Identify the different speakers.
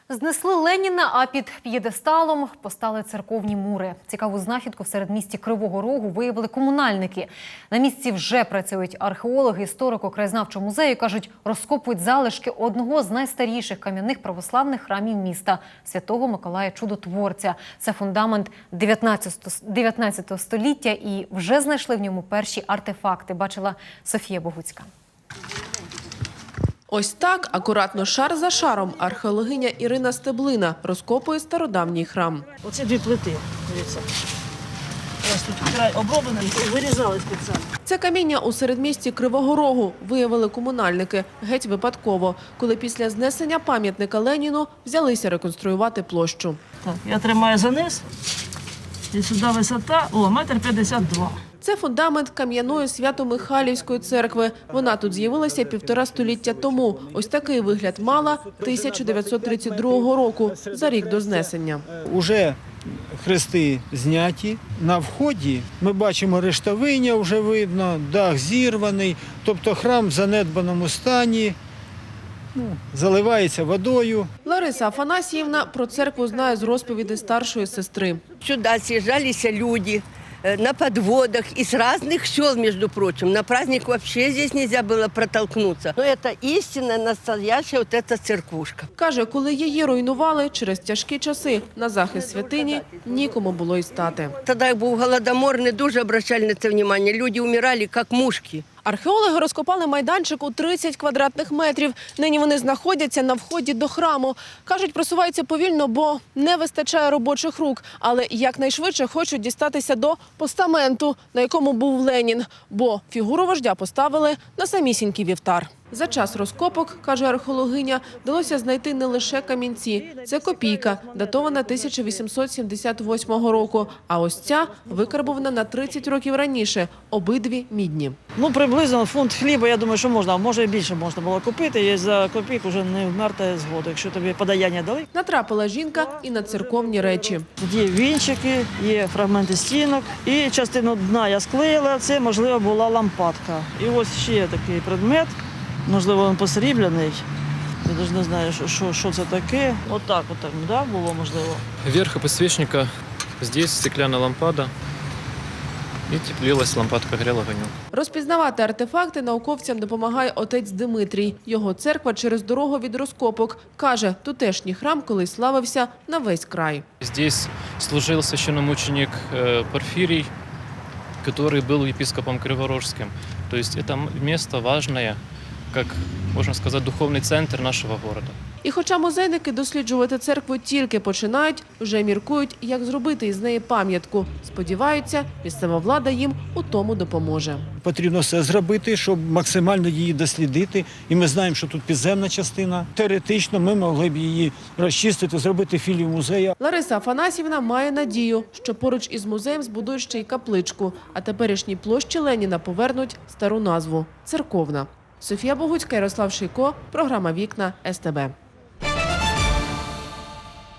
Speaker 1: Знесли Леніна, а під п'єдесталом постали церковні мури. Цікаву знахідку в середмісті Кривого Рогу виявили комунальники. На місці вже працюють археологи, історико-краєзнавчого музею. Кажуть, розкопують залишки одного з найстаріших кам'яних православних храмів міста – Святого Миколая Чудотворця. Це фундамент 19 століття і вже знайшли в ньому перші артефакти. Бачила Софія Богуцька.
Speaker 2: Ось так, акуратно шар за шаром, археологиня Ірина Стеблина розкопує стародавній храм.
Speaker 3: Оце дві плити, дивіться. Ось тут край оброблений, вирізали спеціально.
Speaker 2: Це каміння у середмісті Кривого Рогу виявили комунальники геть випадково, коли після знесення пам'ятника Леніну взялися реконструювати площу.
Speaker 3: Так, я тримаю за низ, і сюди висота, метр 52.
Speaker 2: Це фундамент кам'яної Свято-Михайлівської церкви. Вона тут з'явилася 1,5 століття тому. Ось такий вигляд мала 1932 року, за рік до знесення.
Speaker 4: Уже хрести зняті. На вході ми бачимо рештовиння, вже видно, дах зірваний. Тобто храм в занедбаному стані, заливається водою.
Speaker 2: Лариса Афанасьївна про церкву знає з розповіді старшої сестри.
Speaker 5: Сюда съезжались люди на подводах из разных сел, между прочим. На праздник вообще здесь нельзя было протолкнуться. Но это истинно настоящая вот эта церквушка.
Speaker 2: Каже, коли її руйнували через тяжкі часи, на захист святині нікому було й стати.
Speaker 5: Тогда був голодомор, не дуже обращали на це внимание. Люди умирали, як мушки.
Speaker 2: Археологи розкопали майданчик у 30 квадратних метрів. Нині вони знаходяться на вході до храму. Кажуть, просуваються повільно, бо не вистачає робочих рук. Але якнайшвидше хочуть дістатися до постаменту, на якому був Ленін. Бо фігуру вождя поставили на самісінький вівтар. За час розкопок, каже археологиня, вдалося знайти не лише камінці. Це копійка, датована 1878 року. А ось ця викарбована на 30 років раніше. Обидві мідні.
Speaker 3: Приблизно фунт хліба, я думаю, що можна, а може і більше можна було купити. І за копійку вже не вмерти з голоду, якщо тобі подаяння дали.
Speaker 2: Натрапила жінка і на церковні речі.
Speaker 3: Тут є вінчики, є фрагменти стінок. І частину дна я склеїла, це, можливо, була лампадка. І ось ще такий предмет. Можливо, він посрібляний. Я навіть не знаю, що це таке. Отак, да, було можливо.
Speaker 6: Верх подсвечника, здесь стеклянная лампада. І теплилась лампадка, грела огонь.
Speaker 2: Розпізнавати артефакти науковцям допомагає отець Димитрій. Його церква через дорогу від розкопок. Каже, тутешній храм колись славився на весь край.
Speaker 6: Здесь служил священномученик Порфирий, который был епископом Криворожским. То есть это место важное, как, можна сказати, духовний центр нашого города.
Speaker 2: І хоча музейники досліджувати церкву тільки починають, вже міркують, як зробити із неї пам'ятку. Сподіваються, місцева влада їм у тому допоможе.
Speaker 4: Потрібно все зробити, щоб максимально її дослідити. І ми знаємо, що тут підземна частина. Теоретично ми могли б її розчистити, зробити філію музею.
Speaker 2: Лариса Афанасьївна має надію, що поруч із музеєм збудують ще й капличку, а теперішній площі Леніна повернуть стару назву – церковна. Софія Богуцька, Ярослав Шийко, програма «Вікна», СТБ.